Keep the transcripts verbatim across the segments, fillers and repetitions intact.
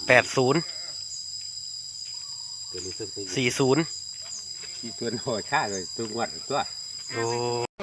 แปดศูนย์สี่ศูนย์ที่ตัวโหดค่าเลยตัวงวดตัวโอ้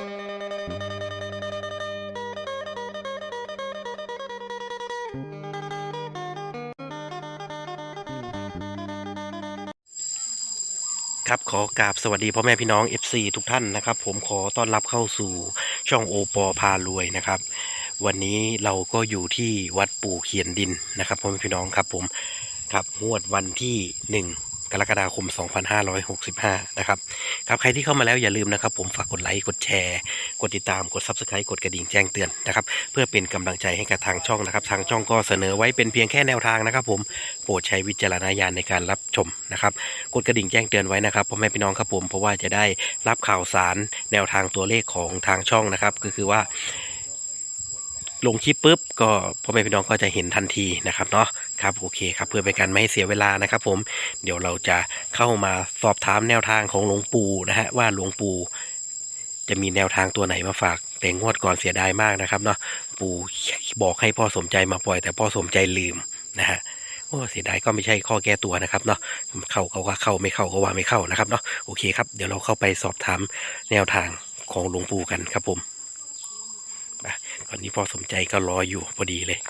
ครับขอกราบสวัสดีพ่อแม่พี่น้อง เอฟ ซี ทุกท่านนะครับผมขอต้อนรับเข้าสู่ช่องโอปอพารวยนะครับวันนี้เราก็อยู่ที่วัดปู่เขียนดินนะครับพ่อแม่พี่น้องครับผมครับงวดวันที่หนึ่งกรกฎาคมสองพันห้าร้อยหกสิบห้านะครับครับใครที่เข้ามาแล้วอย่าลืมนะครับผมฝากกดไลค์กดแชร์กดติดตามกด ซับสไครบ์ กดกระดิ่งแจ้งเตือนนะครับเพื่อเป็นกำลังใจให้กับทางช่องนะครับทางช่องก็เสนอไว้เป็นเพียงแค่แนวทางนะครับผมโปรดใช้วิจารณญาณในการรับชมนะครับกดกระดิ่งแจ้งเตือนไว้นะครับพ่อแม่พี่น้องครับผมเพราะว่าจะได้รับข่าวสารแนวทางตัวเลขของทางช่องนะครับก็คือว่าลงคลิปปุ๊บก็พ่อแม่พี่น้องก็จะเห็นทันทีนะครับเนาะครับโอเคครับเพื่อเป็นการไม่ให้เสียเวลานะครับผมเดี๋ยวเราจะเข้ามาสอบถามแนวทางของหลวงปู่นะฮะว่าหลวงปู่จะมีแนวทางตัวไหนมาฝากแต่งวดก่อนเสียดายมากนะครับเนาะปู่บอกให้พ่อสมใจมาปล่อยแต่พ่อสมใจลืมนะฮะโอ้เสียดายก็ไม่ใช่ข้อแก้ตัวนะครับเนาะเข้าก็ว่าเข้าไม่เข้าก็ว่าไม่เข้านะครับเนาะโอเคครับเดี๋ยวเราเข้าไปสอบถามแนวทางของหลวงปู่กันครับผมตอนนี้พ่อสมใจก็รออยู่พอดีเลย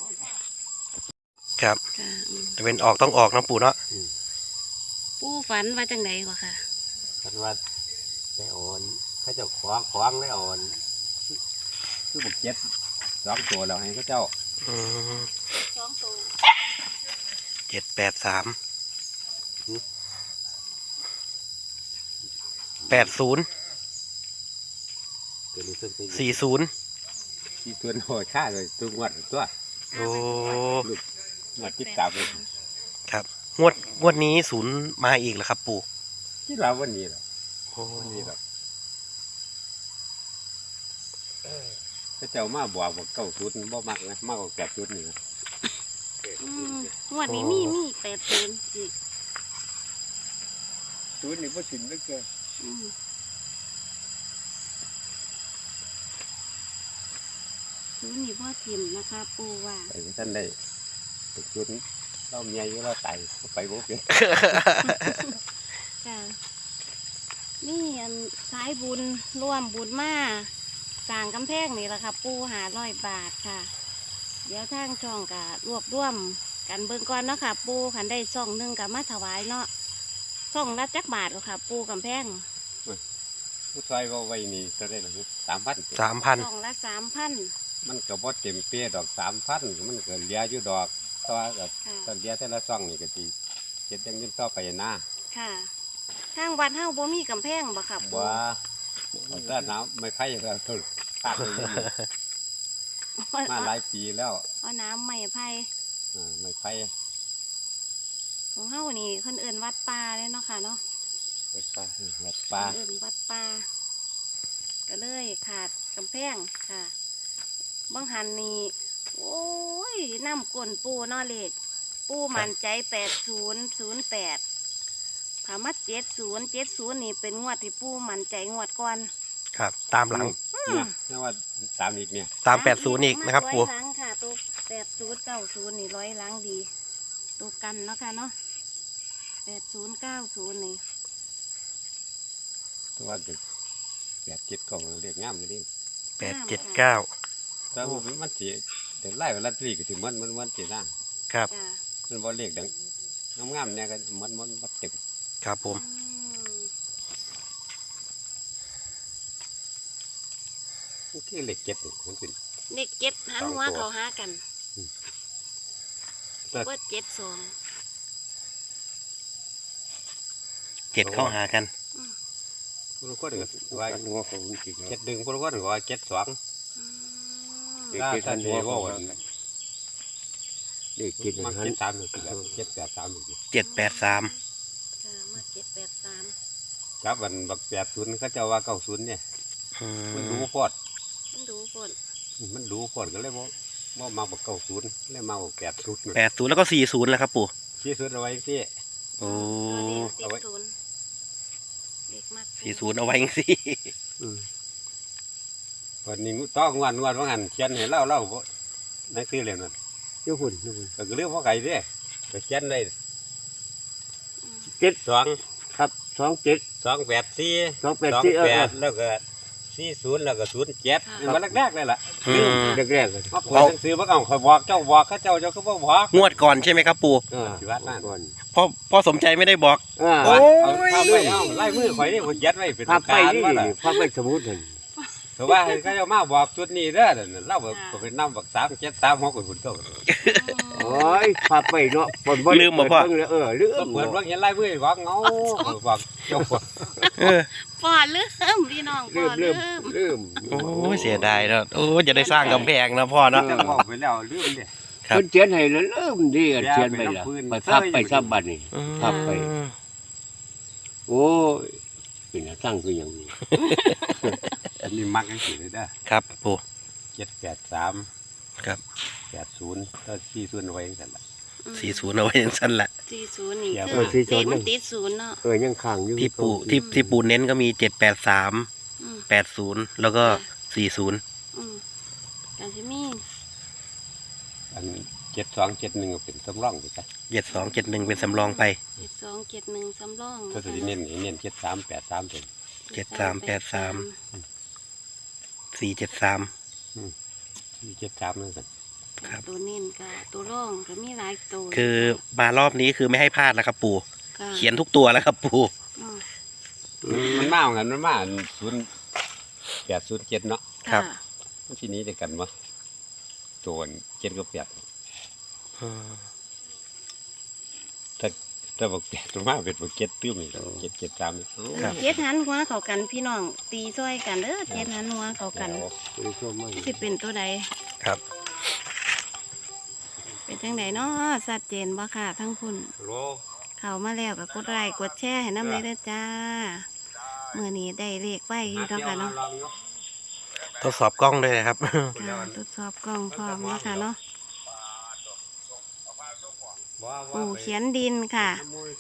ครับจะเป็นออกต้องออกนะปู่เนาะปู่ฝันว่าจังไดกว่าค่ะฝันว่าได้อ่อนเขาเจ้าขวางขวางได้อ่อนคือบุกเจ็ดสองตัวเราให้เขาเจ้าสองตัวเจ็ดแปดสามแปดศูนย์สี่ศูนย์ที่ตัวโหดค่าเลยตัวงวดตัวโอ้งวดติดตามเลยครับงวดงวดนี้ศูนย์มาอีกแล้วครับปู่ที่เราวันนี้หรอวันนี้หรอเขาเจ้ามาบอกว่าเก้าศูนย์บ่มากนะมากกว่าแปดศูนย์นี่นะงวดนี้มีมีแปดศูนย์อีกศูนย์นี่ก็สินไม่เกินศูนย์นี่พ่อทิมนะคะปูว่าไปท่านได้ศูนย์เราเมียอยู่เราไต่ไปบุกเลยค่ะนี่อันสายบุญร่วมบุญมาสร้างกำแพงนี่แหละค่ะปูหาร้อยบาทค่ะเดี๋ยวทางช่องกับรวบรวมกันเบิ่งก่อนเนาะค่ะปูขันได้ซ่องหนึ่งกับมาถวายเนาะซ่องละจักบาทหรอค่ะปูกำแพงผู้ชายว่าไว้นี่จะได้หรือสามพันสามพันซ่องละสามพันมันก็บ่เต็มเปี้ยดอกสามพันมันก็เลี้ยอยู่ดอกตัวกับตอนเลี้ยแต่ละซ่องนี่ก็ดีเจ็ดยังยืนต่อไปนะค่ะทางวัดเฮาบ่มีกำแพงบ่ครับบ่แต่น้ำไม่ไผ่แล้วตุ่นตัดเลยมาหลายปีแล้วเอาน้ำไม่ไผ่อ่าไม่ไผ่ของเฮานี่คนอื่นวัดป่าเลยเนาะค่ะเนาะวัดป่าวัดป่าอื่นวัดป่าก็เลยขาดกำแพงค่ะบางหันนี่โอ้ยน้ำก้นปูนอเล็กปูมันใจแปดศูนย์ศูนย์แปดถามว่าเจ็ดศูนย์เจ็ดศูนย์นี่เป็นงวดที่ปูมันใจงวดก่อนครับตามหลังนี่ว่าตามอีกเนี่ยตามแปดศูนย์อีกนะครับปูร้อยหลังค่ะตัวแปดศูนย์เก้าศูนย์นี่ร้อยหลังดีตัวกันเนาะค่ะเนาะแปดศูนย์เก้าศูนย์นี่ตัวเด็กแปดเจ็ดกล่องเรียกง่ามเลยดิแปดเจ็ดเก้าแต่มันเสียเดี๋ยวไล่ไปลัดลีก็ถึงมันมันมันเสียหน้าครับมันบอลเล็กดังงามๆเนี่ยกันมันมันมันเต็มครับผมโอเคเล็กเจ็ดมันเป็นเล็กเจ็ดหันหัวเขาหากันว่าเจ็ดสองเจ็ดเข้าหากันพวกก็เดือดว่าเจ็ดดึงพวกก็เดือดว่าเจ็ดสองถ้าท่านเดียวว่าเด็กกินมันเจ็ดสามหนึ่งเจ็ดแปดสามหนึ่งเจ็ดแปดสามมาเจ็ดแปดสามครับวันบักแปดศูนย์เขาจะว่าเก้าศูนย์เนี่ยมันดูพอดมันดูพอดมันดูพอดก็เลยว่าว่ามาบักเก้าศูนย์เลยมาบักแปดศูนย์แปดศูนย์แล้วก็สี่ศูนย์แล้วครับปู่สี่ศูนย์เอาไว้ที่โอ้เอาไว้สี่ศูนย์เอาไว้สิวันนี้ต้องวันวันว่างันเขียนเห็นเล่าเล่านักซื้อเลยนั่นยุ่หุ่นยุ่หุ่นแต่ก็เรื่องพ่อไก่ดิไปเขียนได้เจ็ดสองครับสองเจ็ดสองแปดสี่สองแปดสองสี่เออแปดแล้วก็สี่ศูนย์แล้วก็ศูนย์เจ็ดมันแรกๆเลยล่ะอืมแรกๆเลยมาเปิดหนังสือมาเอาคอยบอกเจ้าบอกเขาเจ้าเจ้าก็บ่บอกงวดก่อนใช่ไหมครับปู่เออที่วัดนั่นก่อนพ่อพ่อสมใจไม่ได้บอกอ่าโอ้เอาเอาไปเอาไล่มือข่อยนี่ผมยัดไว้เป็นพับไปการนี่ว่าล่ะพับไปสมุดนั่นแต่ว่าให้เขาเจ้ามาบอกชุดนี้เด้อนั่นเล่าแบบก็เป็นน้ำบักสามเจ็ดสามหกคนคนเจ้าโอ้ยพับไปเนาะปนบ่ลืมบ่พ่อเปิดเบิ่งเลยเออลืมก็เปิดว่าเห็นไล่มือบอกเงาบอกเจ้าบอกเออพ่อลืมพี่น้องพ่ลือมลืลืมมลืมโอ้ยเสียดายเนาะโอ้ยจะได้สร้างกำแพงนะพ่อเนาะเจ้าบอกไปแล้วลืมเนี่ยครับเพิ่นเขียนให้แล้วลืมดิเขียนไปละไปพับไปซับบัดนี่ ครับไป โอ้ยเป็นสร้างคืออย่างนี้อันนี้มักยังสิเลยเด้อครับปู่เจ็ดแปดสามครับแปดศูนย์ก็สี่ศูนย์เอาไว้ยังไงล่ะสี่ศูนย์เอาไว้อย่างสั้นแหละสี่ศูนย์นี่เดี๋ยวคือสี่ศูเลนย์ขมันติดศูนย์เนาะเออยังค้างอยู่ที่ปู่ที่ที่ปู่เน้นก็มีเจ็ดแปดสามอืมแปดศูนย์แล้วก็สี่ศูนย์อืมการที่มีอันเจ็ดสองเจ็ดหนึ่งเป็นสำรองไปจ้ะเจ็ดสองเจ็ดหนึ่งเป็นสำรองไปเจ็ดสองเจ็ดหนึ่งสำรองก็จะเน้นเน้นเจ็ดสามแปดสามเป็นเจ็ดสามแปดสาม สี่เจ็ดสามสี่เจ็ดสามนั่นสิครับตัวเน้นกับตัวร่องก็มีหลายตัวคือมารอบนี้คือไม่ให้พลาดแล้วครับปู่ค่ะเขียนทุกตัวแล้วครับปู่อืมมันมาเหมือนกันมันมาศูนย์แปดศูนย์เจ็ดเนาะครับะมันที่นี้เดียวกันวะตัวเจ็ดกับแปดถ้าถ้าบอกแปดตัวมาเป็นบอกเจ็ดตื้มนี่เจ็ดเจ็ดสามนี่ครับเจ็ดหันหัวเข้ากันพี่น้องตีซ้อยกันเด้อเจ็ดหันหัวเข้ากันบ่ได้ชมมากสิเป็นตัวใดครับเป็นจังไดเนาะชัดเจนบ่ค่ะทั้งคุณโลเข้ามาแล้วก็กดไลค์กดแชร์ให้น้ำเลยเด้อจ้าเมื่อนี้ได้เลขไว้อยู่แล้วค่ะเนาะทดสอบกล้องด้วยนะครับค่ะทดสอบกล้องพร้อมแล้วค่ะเนาะปู่เขียนดินค่ะ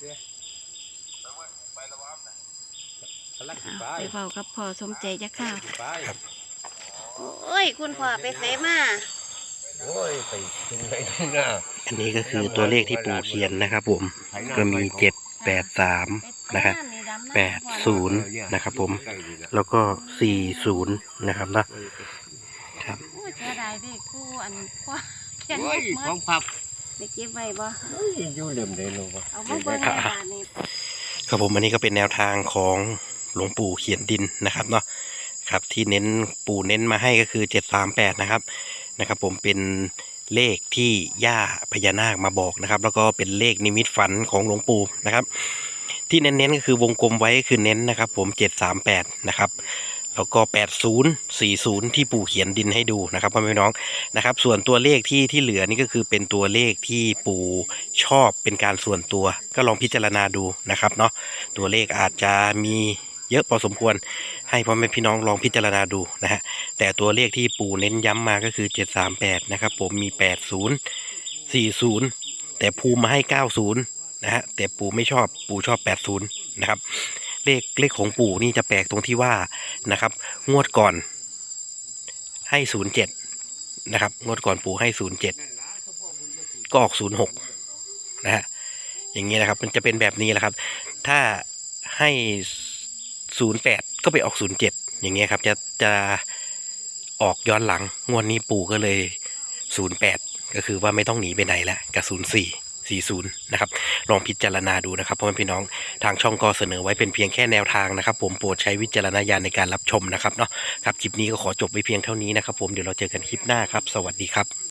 อ่ะไปเฝ้ากับพ่อสมใจจ้ะค่ะครับโอ้ยคุณพ่อไปเสมาโอ้ยไปถึงไหนถึงหน้าอันนี้ก็คือตัวเลขที่ปู่เขียนนะครับผม ก็มีเจ็ดแปดสามนะครับแปดศูนย์นะครับผม แล้วก็สี่ศูนย์นะครับนะครับโอ้ยเสียดายเด็กกูอันพ่อเขียนโอ้ยเมื่ขอองพับได้เก็บไว้บ่เอ้ยอยู่เดิมเลยลูกวะเอามาเบิ่งในบ้านนี่ครับผมอันนี้ก็เป็นแนวทางของหลวงปู่เขียนดินนะครับเนาะครับที่เน้นปู่เน้นมาให้ก็คือเจ็ดสามแปดนะครับนะครับ ผมเป็นเลขที่ย่าพญานาคมาบอกนะครับ แล้วก็เป็นเลขนิมิตฝันของหลวงปู่นะครับ ที่เน้นๆก็คือวงกลมไว้คือเน้นนะครับ ผมเจ็ดสามแปดนะครับแล้วก็แปดศูนย์สี่ศูนย์ที่ปู่เขียนดินให้ดูนะครับพ่อแม่พี่น้องนะครับ ส่วนตัวเลขที่ที่เหลือนี่ก็คือเป็นตัวเลขที่ปู่ชอบเป็นการส่วนตัวก็ลองพิจารณาดูนะครับเนาะตัวเลขอาจจะมีเยอะพอสมควรให้พ่อแม่พี่น้องลองพิจารณาดูนะฮะแต่ตัวเลขที่ปู่เน้นย้ำมาก็คือเจ็ดสามแปดนะครับผมมีแปดศูนย์สี่ศูนย์แต่ภูมิมาให้เก้าศูนย์นะฮะแต่ปู่ไม่ชอบปู่ชอบแปดศูนย์นะครับเลขเลขของปู่นี่จะแปลกตรงที่ว่านะครับงวดก่อนให้ศูนย์เจ็ดนะครับงวดก่อนปู่ให้ศูนย์เจ็ดก็ออกศูนย์หกนะฮะอย่างนี้นะครับมันจะเป็นแบบนี้แหละครับถ้าให้ศูนย์แปดก็ไปออกศูนย์เจ็ดอย่างเงี้ยครับจะจะออกย้อนหลังงวดนี้ปู่ก็เลยศูนย์แปดก็คือว่าไม่ต้องหนีไปไหนแล้วกับศูนย์สี่สี่ศูนย์นะครับลองพิจารณาดูนะครับพ่อแม่พี่น้องทางช่องก็เสนอไว้เป็นเพียงแค่แนวทางนะครับผมโปรดใช้วิจารณญาณในการรับชมนะครับเนาะครับคลิปนี้ก็ขอจบไว้เพียงเท่านี้นะครับผมเดี๋ยวเราเจอกันคลิปหน้าครับสวัสดีครับ